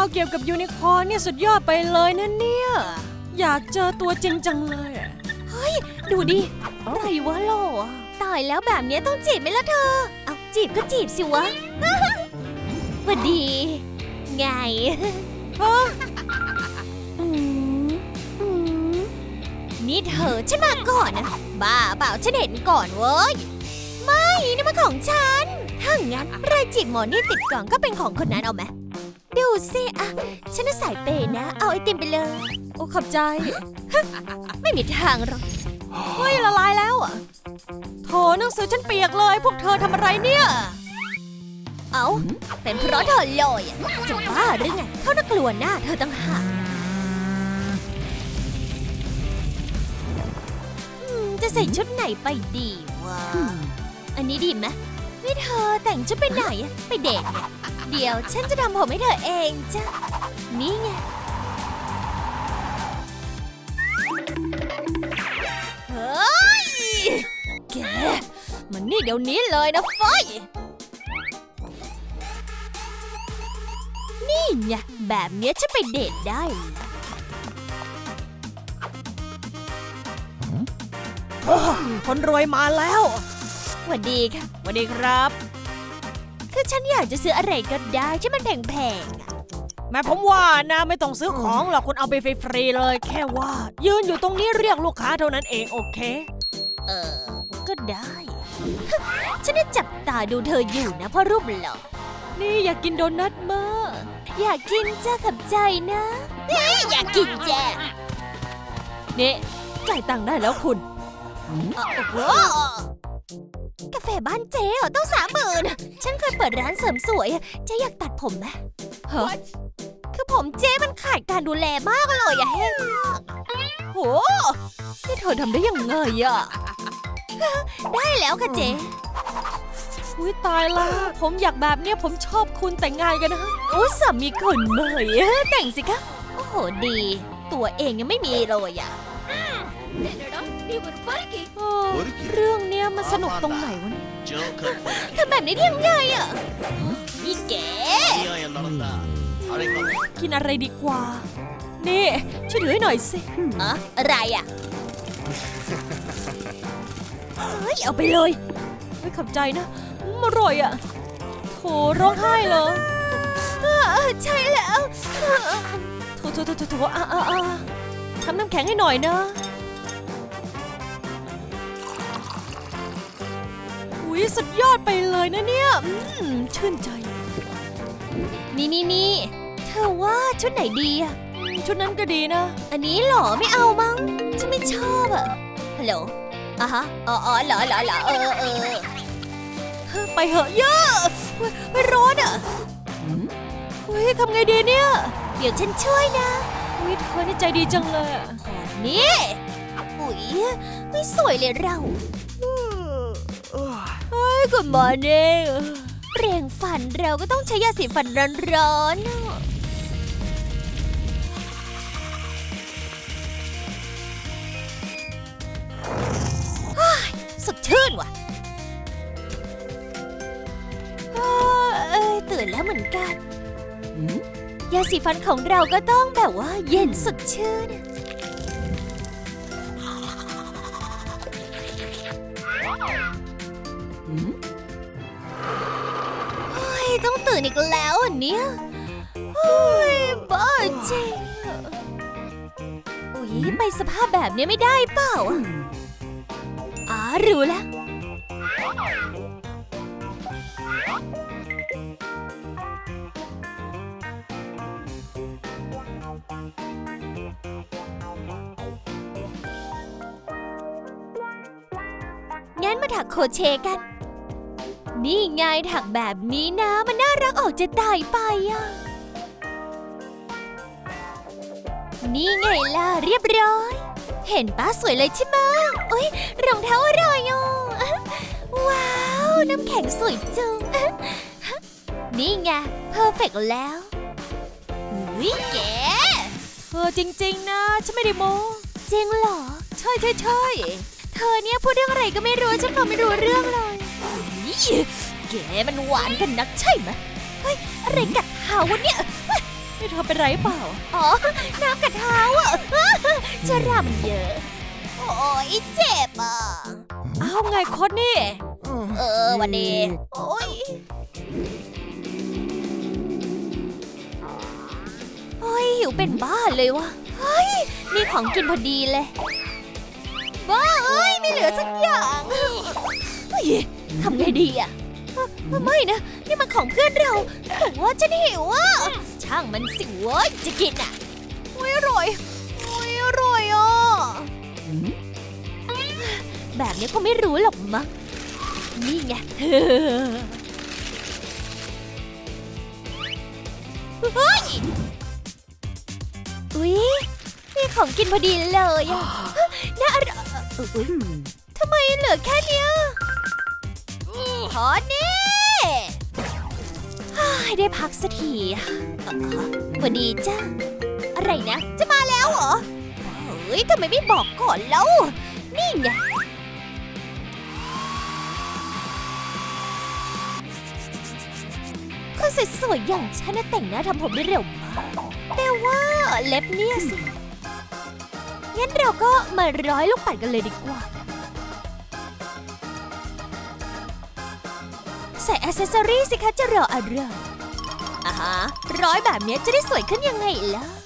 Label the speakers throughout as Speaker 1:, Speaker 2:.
Speaker 1: าวเกี่ยวกับยูนิคอร์นเนี่ยสุดยอดไปเลยนะเนี่ยอยากเจอตัวจริงจังเลยเฮ้ยดูดิอะไรวะโลตายแล้วแบบนี้ต้องจีบไหมล่ะเธอเอาจีบก็จีบสิวะ สวัสดีไงฮะนี่เธอฉันมาก่อนนะบ้าเปล่าฉันเห็นก่อนเว้ยไม่นี่มันของฉันถ้างั้นรายจีบหมอนี่ติดกล่องก็เป็นของคนนั้นเอาไหมดูสิอะฉันน่ะสายเปย์นะเอาไอติมไปเลยโอ้ขอบใจ ไม่มีทางหรอกเฮ้ยละลายแล้วอะโถหนังสือฉันเปียกเลยพวกเธอทำอะไรเนี่ยเอาเป็นเพราะเธอลอยอะจะบ้าหรือไงเขาน่ากลัวหน้าเธอตั้งหากจะใส่ชุดไหนไปดีวะอันนี้ดีไหมนี่เธอแต่งชุดไปไหนอะไปเดทเนี่ยเดี๋ยวฉันจะทำผมให้เธอเองจ้ะนี่ไงเฮ้ยแกมันนี่เดี๋ยวนี้เลยนะฟอยนี่ไงแบบเนี้ยฉันไปเดทได้คนรวยมาแล้วสวัสดีค่ะสวัสดีครับคือฉันอยากจะซื้ออะไรก็ได้ที่มันแพงๆแม่ผมว่านะไม่ต้องซื้อของหรอกคุณเอาไปฟรีๆเลยแค่ว่ายืนอยู่ตรงนี้เรียกลูกค้าเท่านั้นเองโอเคก็ได้ ฉันได้จับตาดูเธออยู่นะเพราะรูปหล่อนี่อยากกินโดนัทมากอยากกินจ้าขับใจนะนี่อยากกินจ้านี่จ่ายตังค์ได้แล้วคุณโอ้โหกาแฟบ้านเจ๊เหรอต้อง30,000ฉันเคยเปิดร้านเสริมสวยเจ๊อยากตัดผมไหมฮะคือผมเจ๊มันขาดการดูแลมากเลยอะแห้งมากโหนี่เธอทำได้ยังไงอะได้แล้วค่ะเจ๊อุ้ยตายละผมอยากแบบเนี้ยผมชอบคุณแต่งงานกันนะโอ้สามีคนใหม่แต่งสิคะโอ้โหดีตัวเองยังไม่มีเลยอะเรื่องเนี้ยมันสนุกตรงไหนวะเนี่ยทำแบบนี้ได้ยังไงอะนี่แกกินอะไรดีกว่านี่ช่วยถือให้หน่อยสิอะไรอะเฮ้ยเอาไปเลยไม่ขอบใจนะอร่อยอะโถร้องไห้เลยใช่แล้วโถทำน้ำแข็งให้หน่อยนะอุ๊ยสุดยอดไปเลยนะเนี่ยชื่นใจนี่เธอว่าชุดไหนดีอะชุดนั้นก็ดีนะอันนี้หรอไม่เอามั้งฉันไม่ชอบอะฮัลโหลฮะอ๋อเหรอไปเหอะเยอะไม่ร้อนอ่ะเฮ้ยทำไงดีเนี่ยเดี๋ยวฉันช่วยนะอุ๊ยเธอนี่ใจดีจังเลยนี่อุ๊ยไม่สวยเลยเราเฮ้ยgood morningเปลี่ยนฝันเราก็ต้องใช้ยาสีฟันร้อนๆสดชื่นว่ะตื่นแล้วเหมือนกันยาสีฟันของเราก็ต้องแบบว่าเย็นสดชื่นต้องตื่นอีกแล้วอันเนี้ยบ้าจริงอุ๊ยไปสภาพแบบนี้ไม่ได้เปล่ารู้แล้วงั้นมาถักโครเชต์กันนี่ไงถักแบบนี้นะมันน่ารักออกจะตายไปอ่ะนี่ไงล่ะเรียบร้อยเห็นป้าสวยเลยใช่ไหมโอ๊ยรองเท้าอะไรอ่ะว้าวน้ำแข็งสวยจังนี่ไงเพอร์เฟกต์แล้ววิแกจริงๆนะฉันไม่ได้โม้จริงเหรอใช่เธอเนี่ยพูดเรื่องอะไรก็ไม่รู้ฉันฟังไม่รู้เรื่องเลยแกมันหวานกันนักใช่ไหมเฮ้ยอะไรกัดเท้าวะเนี่ยนี่เธอเป็นไรเปล่า
Speaker 2: อ๋อ น้ำกัดเท้าอ่ะ จะรำเยอะ โอ้ยเจ็บอ่ะ
Speaker 1: อ้าวไงโค้ดนี่
Speaker 2: วันนี้โอ้ยเฮ้ยหิวเป็นบ้าเลยวะเฮ้ยมีของกินพอดีเลยบ้าเอ้ยไม่เหลือสักอย่างเฮ้ยทำไงดีอ่ะไม่นะนี่มันของเพื่อนเราแต่ว่าฉันหิวอ่ะช่างมันสิเว้ยจะกินอ่ะโอ้ยอร่อยโอ้ยอร่อยอ่ะแบบนี้ก็ไม่รู้หรอกมั้งนี่ไง เฮ้ย อุ๊ยมีของกินพอดีเลยอ่ะน่าอร่อยทำไมเหลือแค่เนี้ยพอนี่ได้พักสักทีสวัสดีจ้าอะไรนะ จะมาแล้วเหรอ เฮ้ยทำไมไม่บอกก่อนแล้ว นี่ไงคนสวยๆอย่างฉันน่ะแต่งหน้าทำผมได้เร็วมากแต่ว่าเล็บเนี่ยสิ งั้นเราก็มาร้อยลูกปัดกันเลยดีกว่า ใส่แอคเซสซอรี่สิคะจะรออะไรร้อยแบบนี้จะได้สวยขึ้นยังไงล่ะ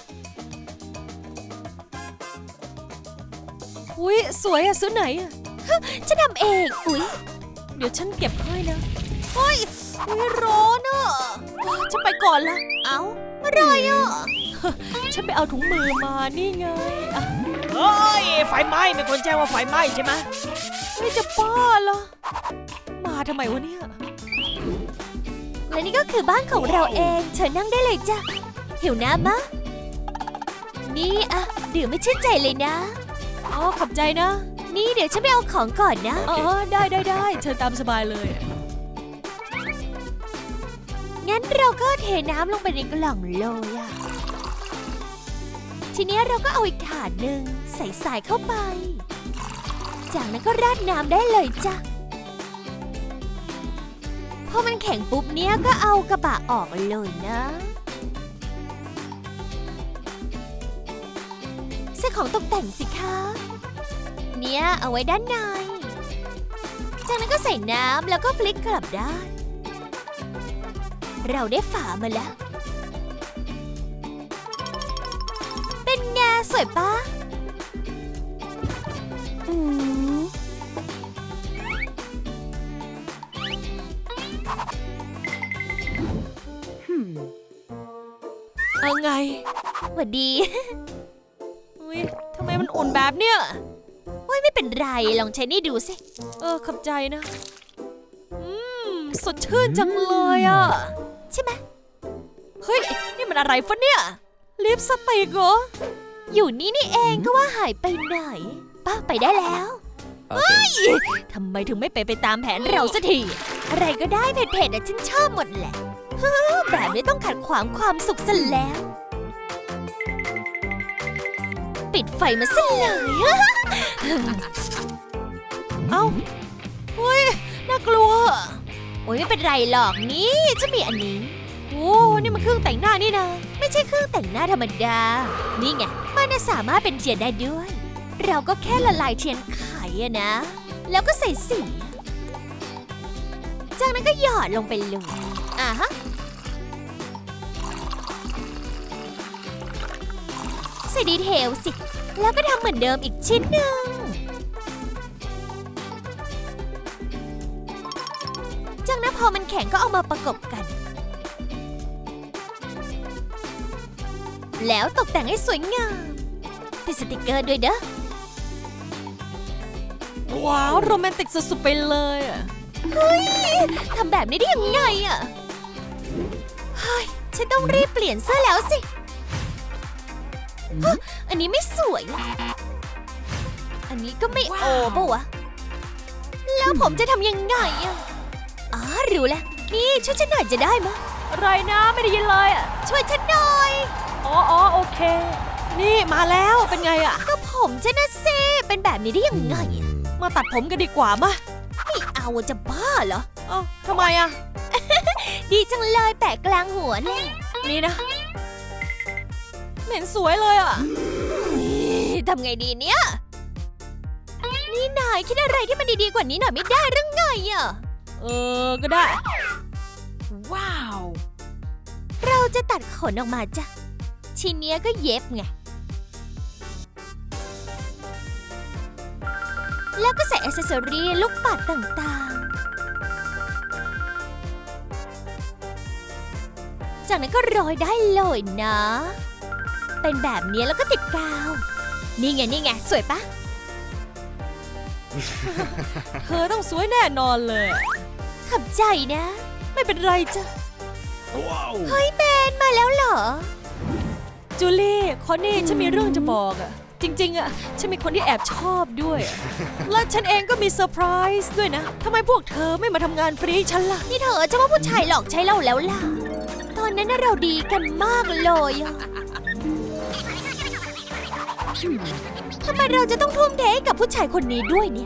Speaker 1: อุ้ยสวยอะซื้อไหนอะ
Speaker 2: ฉันทำเอง อุ๊ย
Speaker 1: เดี๋ยวฉันเก็บให้นะ
Speaker 2: เฮ้ยร้อนอ่ะ
Speaker 1: ฉันไปก่อนละ
Speaker 2: เอ้าอะไรอ่ะ
Speaker 1: ฉันไปเอาถุงมือมานี่ไงอะเฮ้ยไฟไหม้มีคนแจ้งว่าไฟไหม้ใช่ไหมไม่จะบ้าเหรอมาทำไมวะเนี่ย
Speaker 2: และนี่ก็คือบ้านของเราเองเชิญนั่งได้เลยจ้ะหิวน้ำมะนี่อะดื่มไม่ชื่นใจเลยนะ
Speaker 1: อ๋อขอบใจนะ
Speaker 2: นี่เดี๋ยวฉันไปเอาของก่อนนะ
Speaker 1: อ๋อได้เชิญตามสบายเลย
Speaker 2: งั้นเราก็เทน้ำลงไปในกล่องเลยอะทีนี้เราก็เอาอีกถาดหนึ่งใส่สายเข้าไปจากนั้นก็ราดน้ำได้เลยจ้ะพอมันแข็งปุ๊บเนี้ยก็เอากระบะออกเลยนะใส่ของตกแต่งสิคะเนี่ยเอาไว้ด้านในจากนั้นก็ใส่น้ำแล้วก็พลิกกลับด้านเราได้ฝามาแล้วเป็นไงสวยปะ
Speaker 1: เอาไง
Speaker 2: หวัดดี
Speaker 1: อุ้ยทำไมมันอุ่นแบบเนี้ย
Speaker 2: โอ้ยไม่เป็นไรลองใช้นี่ดูสิ
Speaker 1: ขอบใจนะสดชื่นจังเลยอ่ะ
Speaker 2: ใช่ไหม
Speaker 1: เฮ้ยนี่มันอะไรฟะเนี่ยลิปสติกเหรอ
Speaker 2: อยู่นี่นี่เองก็ว่าหายไปไหนป้าไปได้แล้วเฮ้ยทำไมถึงไม่ไปตามแผนเราสักทีอะไรก็ได้เผ็ดๆฉันชอบหมดแหละแบบนี้ต้องขัดขวางความสุขซะแล้ว ปิดไฟมาซะเลย
Speaker 1: เอ้าเฮ้ยน่ากลัว
Speaker 2: โอ้ยไม่เป็นไรหรอกนี่จะมีอันนี้
Speaker 1: โอ้นี่มันเครื่องแต่งหน้านี่นะ
Speaker 2: ไม่ใช่เครื่องแต่งหน้าธรรมดานี่ไงมันสามารถเป็นเทียนได้ด้วย เราก็แค่ละลายเทียนไขอะนะแล้วก็ใส่สีจากนั้นก็หยอดลงไปเลยฮะใส่ดีเทลสิแล้วก็ทำเหมือนเดิมอีกชิ้นหนึ่งจากนั้นพอมันแข็งก็เอามาประกบกันแล้วตกแต่งให้สวยงามติดสติกเกอร์ด้วยเด้อ
Speaker 1: ว้าวโรแมนติกสุดๆไปเลยอ่ะ
Speaker 2: เฮ้ยทำแบบนี้ได้ยังไงอ่ะเฮ้ยฉันต้องรีบเปลี่ยนเสื้อแล้วสิอันนี้ไม่สวยอันนี้ก็ไม่โอปะวะแล้วผมจะทำยังไงอ่ะรู้แล้วนี่ช่วยฉันหน่อยจะได้มะ
Speaker 1: อะไรนะไม่ได้ยินเลยอ่ะ
Speaker 2: ช่วยฉันหน่อย
Speaker 1: อ๋อโอเค นี่มาแล้วเป็นไงอ่ะ
Speaker 2: ก็ผมฉันนะสิเป็นแบบนี้ได้ยังไงอะ
Speaker 1: มาตัดผมกันดีกว่ามา
Speaker 2: ไม่เอาจะบ้าเหรอ
Speaker 1: ทำไมอ่ะ
Speaker 2: ดีจังเลยแปะกลางหัวเนี่ย
Speaker 1: นี่นะไม่เห็นสวยเลยอ่ะ
Speaker 2: ทำไงดีเนี่ย นี่นายคิดอะไรที่มันดีๆกว่านี้หน่อยไม่ได้หรือไงอะ
Speaker 1: ก็ได้ ว้าว
Speaker 2: เราจะตัดขนออกมาจ้ะทีเนี้ยก็เย็บไง แล้วก็ใส่อ c เซสซอรี่ลูกปัดต่างๆ จากนั้นก็โรยได้เลยนะ เป็นแบบนี้แล้วก็ติดกาว นี่ไง สวยปะ
Speaker 1: เธอต้องสวยแน่นอนเลย
Speaker 2: ขอบใจนะ
Speaker 1: ไม่เป็นไรจ้ะ
Speaker 2: เฮ้ยเบนมาแล้วเหรอ
Speaker 1: จูลี่คอนนี่ฉันมีเรื่องจะบอกอะจริงๆอะฉันมีคนที่แอบชอบด้วยอะและฉันเองก็มีเซอร์ไพรส์ด้วยนะทำไมพวกเธอไม่มาทำงานฟรีให้ฉันล่ะ
Speaker 2: นี่เธอจะว่าผู้ชายหลอกใช้เราแล้วล่ะ ตอนนั้นน่ะเราดีกันมากเลยอะทำไมเราจะต้องทุ่มเทให้กับผู้ชายคนนี้ด้วยเนี่ย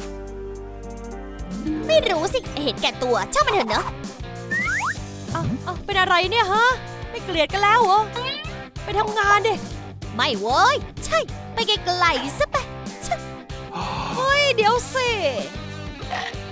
Speaker 2: ไม่รู้สิเห็นแก่ตัวช่างมันเถอะเนอะ
Speaker 1: เป็นอะไรเนี่ยฮะ ไม่เกลียดกันแล้วเหรอ ไปทำงานดิ
Speaker 2: ไม่เว้ย ใช่ ไปไกลๆซะไป
Speaker 1: เฮ้ย เดี๋ยวสิ